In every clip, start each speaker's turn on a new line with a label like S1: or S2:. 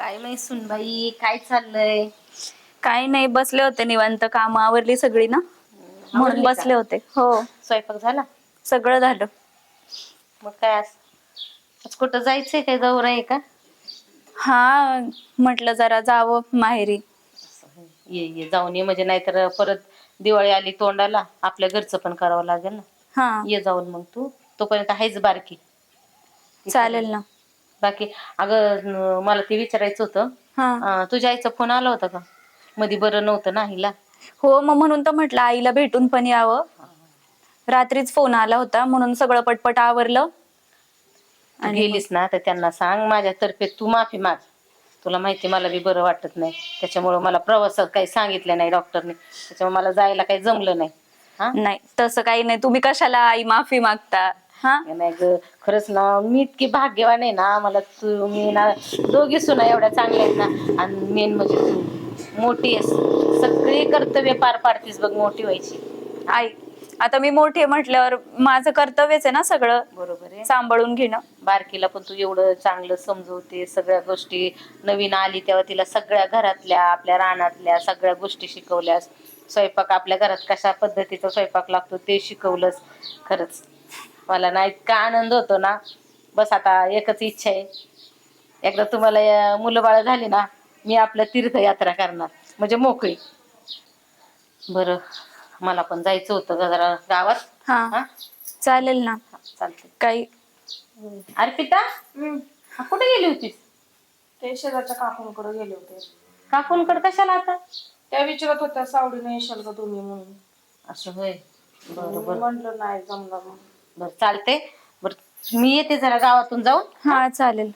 S1: काय नाही सुनबाई, काय चाललंय?
S2: काही नाही, बसले होते निवांत. काम आवरली सगळी ना, म्हणून
S1: आवरली का?
S2: बसले होते. हो,
S1: स्वयंपाक झाला?
S2: सगळं झालं.
S1: मग काय आज कुठं जायचंय? काय दौरा आहे का?
S2: हा, म्हटलं जरा जावं माहेरी.
S1: ये जाऊन ये, म्हणजे नाहीतर परत दिवाळी आली तोंडाला, आपल्या घरचं पण करावं लागेल ना.
S2: हा,
S1: ये जाऊन मग तू तोपर्यंत आहेच बारकी.
S2: चालेल ना.
S1: बाकी अगं, मला ते विचारायचं होतं.
S2: हा,
S1: तुझ्या आईचा फोन आला होता का? मध्ये बरं नव्हतं ना आईला.
S2: हो, मग म्हणून तर म्हटलं आईला भेटून पण यावं. रात्रीच फोन आला होता, म्हणून सगळं पटपट आवरलं.
S1: तू
S2: आणि मग
S1: गेलीस ना तर त्यांना सांग, माझ्यातर्फे तू माफी माग. तुला माहिती मला बी बरं वाटत नाही, त्याच्यामुळे मला प्रवासात काही सांगितलं नाही डॉक्टरने, त्याच्यामुळे मला जायला काही जमलं नाही. हा,
S2: नाही तसं काही नाही. तुम्ही कशाला आई माफी मागता? हा,
S1: नाही ग, खरंच ना, मी इतकी भाग्यवान आहे ना. मला तू मी ना, दोघी सुना एवढ्या चांगल्या आहेत ना. आणि मेन म्हणजे तू मोठी आहेस, सगळी कर्तव्य पार पाडतीस बघ मोठी व्हायची.
S2: आई, आता मी मोठी आहे म्हटल्यावर माझं कर्तव्यच आहे ना सगळं
S1: बरोबर आहे.
S2: सांभाळून घेणं.
S1: बारकीला पण तू एवढं चांगलं समजवते, सगळ्या गोष्टी. नवीन आली तेव्हा तिला सगळ्या घरातल्या, आपल्या रानातल्या सगळ्या गोष्टी शिकवल्यास. स्वयंपाक आपल्या घरात कशा पद्धतीचा स्वयंपाक लागतो ते शिकवलंस. खरंच मला ना इतका आनंद होतो ना. बस आता एकच इच्छा आहे, एकदा तुम्हाला मुलं बाळ झाली ना, मी आपल्या तीर्थयात्रा करणार, म्हणजे मोकळी. बरं, मला पण जायचं होतं ग जरा गावात.
S2: हा,
S1: हा,
S2: चालेल ना.
S1: चालते.
S2: काही
S1: अर्पिता, कुठे गेली होतीस?
S3: ते शेजारच्या काकूंकडे गेले होते.
S1: काकूंकडे कशाला आता?
S3: त्या विचारत होत्या सावडीने येशाल का तुम्ही म्हणून.
S1: असं होय.
S3: मी
S1: बरं
S3: म्हंटल नाही जमलं मग.
S1: बरं, चालते. बरं, मी येते जरा गावातून जाऊन.
S2: हा, चालेल.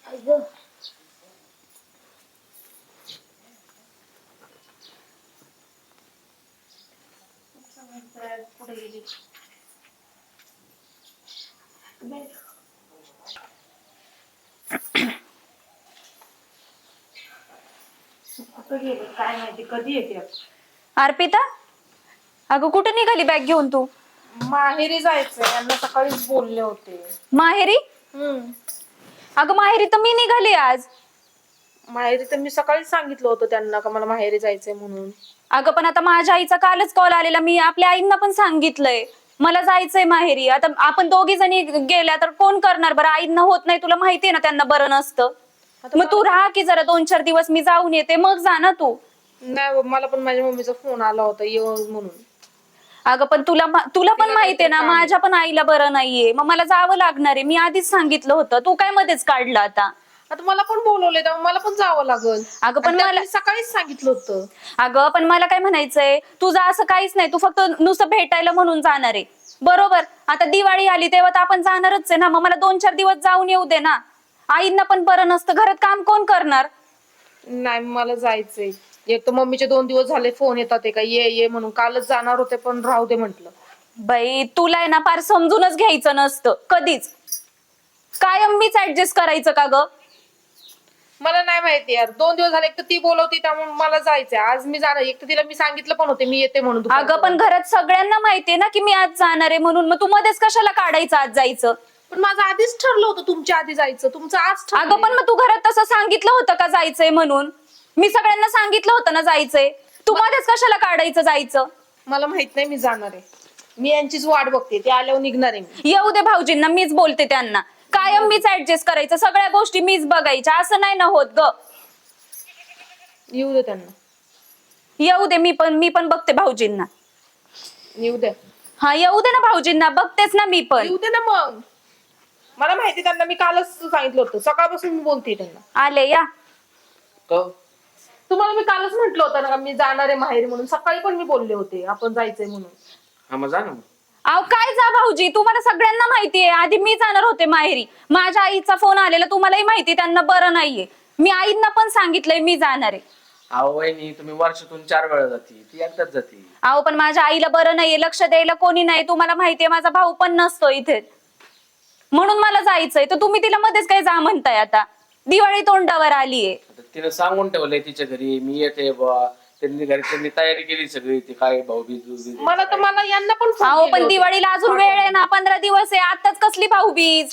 S3: कुठे गेली? कुठे गेली काय माहिती, कधी येते?
S2: अर्पिता, अगं कुठे निघाली बॅग घेऊन तू?
S3: माहेरी जायचंय, यांना सकाळीच बोलले होते.
S2: माहेरी? अगं माहेरी तर मी निघाली आज.
S3: माहेरी तर मी सकाळीच सांगितलं होतं त्यांना का मला माहेरी जायचंय म्हणून.
S2: अगं पण आता माझ्या आईचा कालच कॉल आलेला, मी आपल्या आईंना पण सांगितलंय मला जायचंय माहेरी. आता आपण दोघी जणी गेल्या तर कोण करणार बरं? आईंना होत नाही, तुला माहितीये ना त्यांना बरं नसतं. मग तू राहा की जरा 2-4 दिवस, मी जाऊन येते, मग जा ना तू.
S3: नाही, मला पण माझ्या मम्मीचा फोन आला होता येऊ म्हणून.
S2: अगं पण तुला पण माहितीये ना माझ्या पण आईला बरं नाहीये, मग मला जावं लागणार आहे. मी आधीच सांगितलं होतं, तू काय मध्येच काढलं आता?
S3: आता मला पण बोलवले तर मला पण जावं लागल.
S2: अगं पण मला
S3: सकाळीच सांगितलं होतं.
S2: अगं पण मला काय म्हणायचंय, तुझं असं काहीच नाही, तू फक्त नुसतं भेटायला म्हणून जाणार आहे बरोबर. आता दिवाळी आली तेव्हा तर आपण जाणारच आहे ना, मग मला 2-4 दिवस जाऊन येऊ दे ना. आईंना पण बरं नसतं, घरात काम कोण करणार?
S3: नाही, मला जायचंय. एक तर मम्मीचे 2 दिवस झाले फोन येतात का ये ये म्हणून. कालच जाणार होते पण राहू दे म्हंटल.
S2: बाई तुला आहे ना फार समजूनच घ्यायचं नसतं कधीच. कायम मीच ऍडजस्ट करायचं का ग?
S3: मला नाही माहिती यार, 2 दिवस झाले. एक तर ती बोलवती त्यामुळे मला जायचंय. आज मी जाणार, एक तर तिला मी सांगितलं पण होते मी येते म्हणून.
S2: अगं पण घरात सगळ्यांना माहितीये ना की मी आज जाणार आहे म्हणून, मग तू मध्येच कशाला काढायचं आज जायचं?
S3: पण माझं आधीच ठरलं होतं तुमच्या आधी जायचं, तुमचं आज ठरलं.
S2: अगं पण मग तू घरात तसं सांगितलं होतं का जायचंय म्हणून? मी सगळ्यांना सांगितलं होतं ना जायचंय, तू मध्येच कशाला काढायचं जायचं?
S3: मला माहित नाही, मी जाणार आहे. मी यांचीच वाट बघते, ते आल्यावर निघणार आहे मी.
S2: येऊ दे भाऊजींना, मीच बोलते त्यांना. कायम मीच ऍडजस्ट करायचं, सगळ्या गोष्टी मीच बघायच्या, असं नाही ना होत ग.
S3: येऊ दे त्यांना.
S2: येऊ दे, मी पण बघते भाऊजींना.
S3: येऊ दे.
S2: हा येऊ दे ना भाऊजींना, बघतेच ना मी पण.
S3: येऊ दे ना मग. मला माहिती त्यांना, मी कालच सांगितलं होतं. सकाळपासून मी बोलते त्यांना.
S2: आले या.
S3: तुम्हाला मी कालच म्हटलं होतं ना मी जाणार आहे माहेरी म्हणून. सकाळी पण मी बोलले होते आपण जायचंय म्हणून.
S4: हा, मग जा ना.
S2: अहो काय जा भाऊजी, तुम्हाला सगळ्यांना माहितीये आधी मी जाणार होते माहेरी. माझ्या आईचा फोन आलेला, तुम्हालाही माहिती, त्यांना बरं नाहीये. मी आईंना पण सांगितलंय मी जाणार आहे.
S4: अहो वहिनी, तुम्ही वर्षातून 4 वेळा जाती, ती एकदाच जाती.
S2: अहो पण माझ्या आईला बरं नाहीये, लक्ष द्यायला कोणी नाही. तुम्हाला माहितीये माझा भाऊ पण नसतो इथे, म्हणून मला जायचंय. तर तुम्ही तिला मध्येच काय जा म्हणताय? आता दिवाळी तोंडावर आलीये.
S4: तिने सांगून ठेवलंय तिच्या घरी मी येते बा. त्यांनी तयारी केली सगळी, ती काय भाऊबीज.
S3: मला यांना पण
S2: अहो पण दिवाळीला अजून वेळ आहे ना, 15 दिवस आहे. आताच कसली भाऊबीज?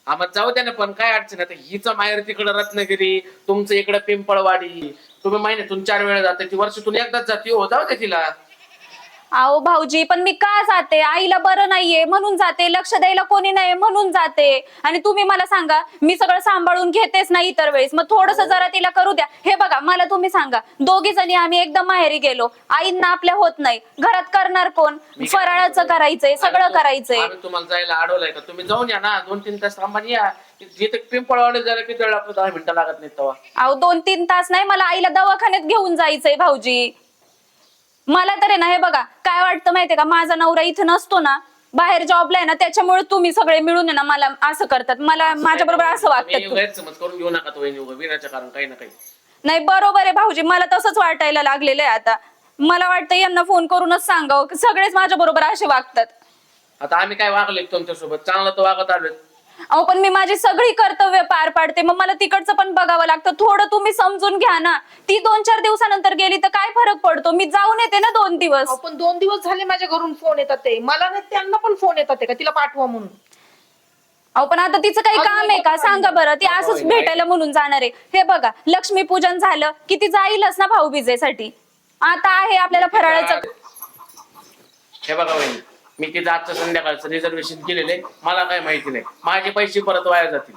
S4: आम्हाला जाऊ द्या ना, पण काय अडचण आता हिचं माहेर तिकडं रत्नागिरी, तुमचं इकडं पिंपळवाडी, तुम्ही महिन्यातून 4 वेळा जाते, ती वर्षातून एकदाच जाते हो, जाऊ द्या तिला.
S2: अहो भाऊजी, पण मी का जाते? आईला बरं नाहीये म्हणून जाते, लक्ष द्यायला कोणी नाही म्हणून जाते. आणि तुम्ही मला सांगा, मी सगळं सांभाळून घेतेच नाही इतर वेळेस, मग थोडस जरा तिला करू द्या. हे बघा, मला तुम्ही सांगा, दोघी जणी आम्ही एकदम माहेरी गेलो, आईंना आपल्या होत नाही, घरात करणार कोण? फराळाचं करायचंय, सगळं करायचंय.
S4: आम्ही तुम्हाला जायला अडवलंय का? तुम्ही जाऊन या ना, 2-3 तास थांबा आणि या. जिथे पिंपळवाडी जायला किती वेळ लागतो? 10 मिनिटं लागत नाही तेव्हा.
S2: अहो 2-3 तास नाही, मला आईला दवाखान्यात घेऊन जायचंय भाऊजी. मला तर आहे ना, हे बघा काय वाटतं माहितीये का, माझा नवरा इथं नसतो ना, बाहेर जॉबला आहे ना, त्याच्यामुळे तुम्ही सगळे मिळून आहे ना मला असं करतात, मला माझ्या बरोबर असं वागतात.
S4: गैरसमज करून घेऊ नका तो विनाच्या कारण काही ना काही.
S2: नाही बरोबर आहे भाऊजी, मला तसंच वाटायला लागलेलं आहे आता. मला वाटतं यांना फोन करूनच सांगावं, सगळेच माझ्या बरोबर असे वागतात.
S4: आता आम्ही काय वागले तुमच्यासोबत? चांगलं तर वागत आलोय.
S2: अहो पण मी माझी सगळी कर्तव्य पार पाडते, मग मला तिकडचं पण बघावं लागतं. थोडं तुम्ही समजून घ्या ना. ती 2-4 दिवसानंतर गेली तर काय फरक पडतो? मी जाऊन येते ना 2 दिवस.
S3: अहो, पण 2 दिवस झाले माझ्या घरून फोन येतात ते, मला नाही त्यांना पण फोन येतात का तिला पाठवा म्हणून.
S2: अहो पण आता तिचं काही काम आहे का सांगा बरं? ती असंच भेटायला म्हणून जाणार आहे. हे बघा, लक्ष्मीपूजन झालं की ती जाईलच ना भाऊबीजेसाठी. आता आहे आपल्याला फराळाचं.
S4: हे बघा वहिनी, मी तिथं आजचं संध्याकाळचं रिझर्वेशन केलेलं आहे, मला काय माहिती नाही, माझे पैसे परत वाया जातील.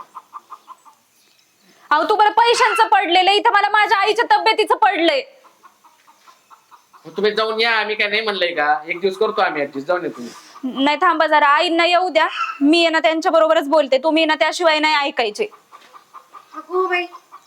S2: अहो तुम्हाला पैशांचं पडलेलं, इथं मला माझ्या आईच्या तब्येतीचं पडलंय.
S4: तुम्ही जाऊन या, आम्ही काय नाही म्हणलंय का? एक दिवस करतो आम्ही ऍडजस्ट, जाऊन या तुम्ही.
S2: नाही थांबा जरा, आईंना येऊ द्या, मी आहे ना त्यांच्या बरोबरच बोलते, तुम्ही ना त्याशिवाय नाही ऐकायचे.
S5: अगो बाई,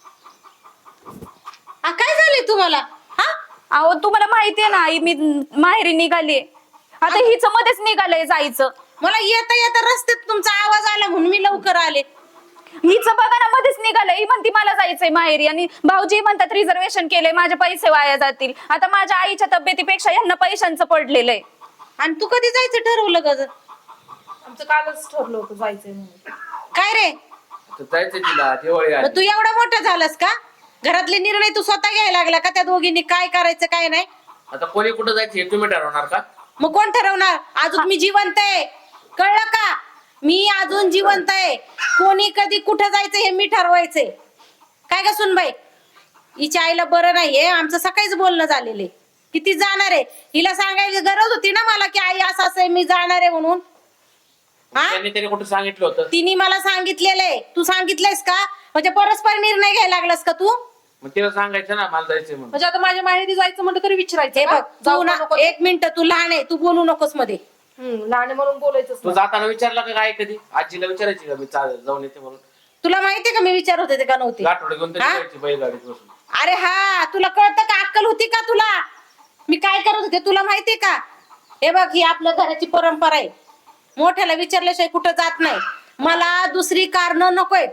S5: काय झाले तुम्हाला? हा,
S2: अहो तुम्हाला माहितीये ना आई, मी माहेरी निघाली, आता हिचं मध्येच निघालंय जायचं.
S5: मला येता येता रस्त्यात तुमचा आवाज आला म्हणून मी लवकर आले.
S2: हिचं बघा ना, मध्येच निघालंय. ही म्हणती मला जायचंय माहेरी, आणि भाऊजी म्हणतात रिझर्वेशन केलंय, माझे पैसे वाया जातील. आता माझ्या आईच्या तब्येतीपेक्षा यांना पैशांचं पडलेलं आहे.
S5: आणि तू कधी जायचं ठरवलं ग?
S3: आमचं कालच ठरलं होतं जायचंय म्हणून.
S5: काय रे,
S4: आता जायचंय तिला, दिवाळी
S5: मग
S4: आली.
S5: तू एवढा मोठा झालास का? घरातले निर्णय तू स्वतः घ्यायला लागला का? त्या दोघींनी काय करायचं काय नाही
S4: आता कोणी कुठं जायचं हे तुम्ही ठरवणार का?
S5: मग कोण ठरवणार? अजून मी जिवंत आहे, कळलं का? मी अजून जिवंत आहे. कोणी कधी कुठं जायचं हे मी ठरवायचंय. काय ग सुनबाई, हिच्या आईला बरं नाहीये, आमचं सकाळीच बोलणं झालेलं की ती जाणार आहे. हिला सांगायची गरज होती ना मला की आई असं असं आहे, मी जाणार आहे म्हणून. हा,
S4: त्यांनी तरी कुठं सांगितलं होतं?
S5: तिने मला सांगितलेलं आहे. तू सांगितलंयस का? म्हणजे परस्पर निर्णय घ्यायला लागलास का तू?
S4: मग तिला सांगायचं ना मला जायचंय म्हणून.
S3: म्हणजे आता माझ्या माहेरी जायचं म्हणलं तरी विचारायचं
S5: हे
S3: का?
S5: बघ,
S3: जाऊ
S5: तू ना
S3: नको?
S5: 1 मिनिट, तू लहान आहे, तू बोलू नकोस मध्ये.
S3: लहान आहे म्हणून बोलायचंच
S4: तू
S3: नाही.
S4: जाताना विचारला का काय कधी? आजीला विचारायची का मी जाऊन येते म्हणून?
S5: तुला माहितीये का मी विचारत होते का नव्हते?
S4: गाठोडे घेऊन तरी
S5: हा?
S4: जायची बैलगाडीत बसून.
S5: अरे हा, तुला कळतं का? अक्कल होती का तुला? मी काय करत होते तुला माहितीये का? हे बघ, ही आपल्या घराची परंपरा आहे, मोठ्याला विचारल्याशिवाय कुठं जात नाही. मला दुसरी कारण नकोय.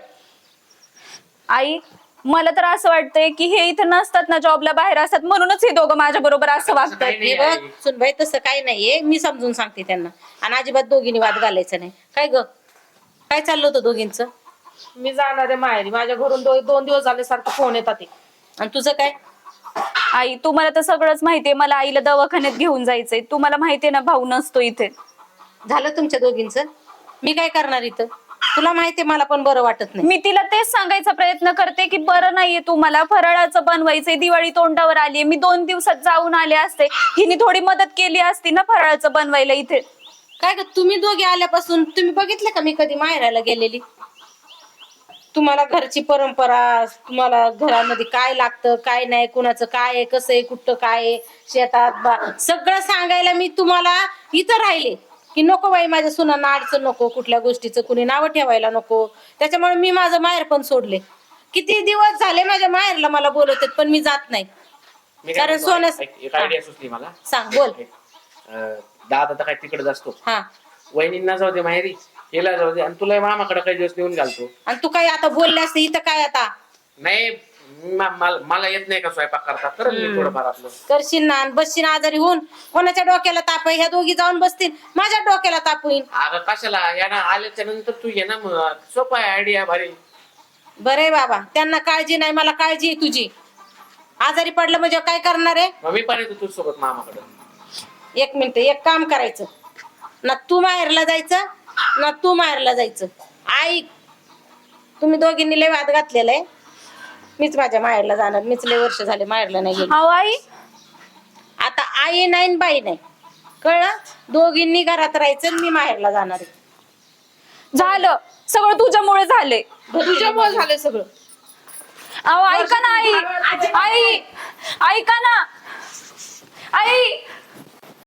S2: आई, मला तर असं वाटतंय की हे इथं नसतात ना, जॉबला बाहेर असतात, म्हणूनच हे दोघं माझ्या बरोबर असं
S4: तसं
S2: वागतात.
S4: काही
S5: हे
S4: नाही
S5: बघ
S4: आई.
S5: सुनबाई, तसं काही नाहीये, मी समजून सांगते त्यांना. आणि अजिबात दोघींनी वाद घालायचा नाही. काय ग, काय चाललं होतं दोघींचं?
S3: मी जाणार आहे माहेरी, माझ्या घरून 2 दिवस झाले सारखं फोन येतात ते.
S5: आणि तुझं काय?
S2: आई तुम्हाला तर सगळंच माहितीये, मला आईला दवाखान्यात घेऊन जायचंय. तुम्हाला माहितीये ना, भाऊ नसतो इथे.
S5: झालं तुमच्या दोघींचं? मी काय करणार इथं? तुला माहितीये मला पण बरं वाटत नाही.
S2: मी तिला तेच सांगायचा प्रयत्न करते की बरं नाहीये तुम्हाला, फराळाचं बनवायचंय, दिवाळी तोंडावर आलीये, मी 2 दिवसात जाऊन आले असते, हिने थोडी मदत केली असती ना फराळाचं बनवायला इथे.
S5: काय ग, तुम्ही दोघे आल्यापासून तुम्ही बघितलं का मी कधी माहेराला गेलेली? तुम्हाला घरची परंपरा, तुम्हाला घरामध्ये काय लागतं काय नाही, कुणाचं काय आहे, कसं आहे, कुठं काय आहे, शेतात सगळं सांगायला मी तुम्हाला इथं राहिले की नको बाई, माझ्या सुनांना अडचण नको, कुठल्या गोष्टीचं कुणी नावं ठेवायला नको. त्याच्यामुळे मी माझं माहेर पण सोडले. किती दिवस झाले माझ्या माहेरला मला बोलवतात, पण मी जात नाही.
S4: मी काय
S5: कारण
S4: म्हणतो,
S5: सोन्यास-
S4: एक आयडिया सुचली मला.
S5: सांग, बोल.
S4: दादा तर काय तिकडे असतो,
S5: हा,
S4: वहिनींना जाऊ दे माहेरी, हिला जाऊ दे, आणि तुला मामाकडे काही दिवस नेऊन घालतो.
S5: आणि तू काय आता बोलले असते इथं काय आता?
S4: नाही, मला येत नाही का स्वयंपाक करता, तर मी थोडंफार आपलं
S5: करशील ना, आणि बसशील आजारी होऊन. कोणाच्या डोक्याला ताप आहे? ह्या दोघी जाऊन बसतील, माझ्या डोक्याला ताप होईल.
S4: अगं कशाला, याना आल्याच्या नंतर तू ये ना, मग सोपं आहे, आयडिया भारी.
S5: बरे बाबा, त्यांना काळजी नाही, मला काळजी आहे तुझी. आजारी पडलं म्हणजे काय करणार आहे?
S4: मग मी पण येतो तुझ्यासोबत मामाकडे.
S5: 1 मिनिट, एक काम करायचं ना, तू माहेरला जायचं ना, तू माहेरला जायचं. आई तुम्ही दोघींनी लय वाद घातलेला आहे. मीच माझ्या माहेरला जाणार. मीच लय वर्ष झाले माहेरला नाही गेली.
S2: अहो आई,
S5: आता आई नाही न बाई नाही, कळलं? दोघींनी घरात राहायचं आणि मी माहेरला जाणार आहे.
S2: झालं सगळं तुझ्यामुळे झाले.
S3: तुझ्यामुळे झालं सगळं.
S2: अहो ऐका ना आई, आई ऐका ना आई.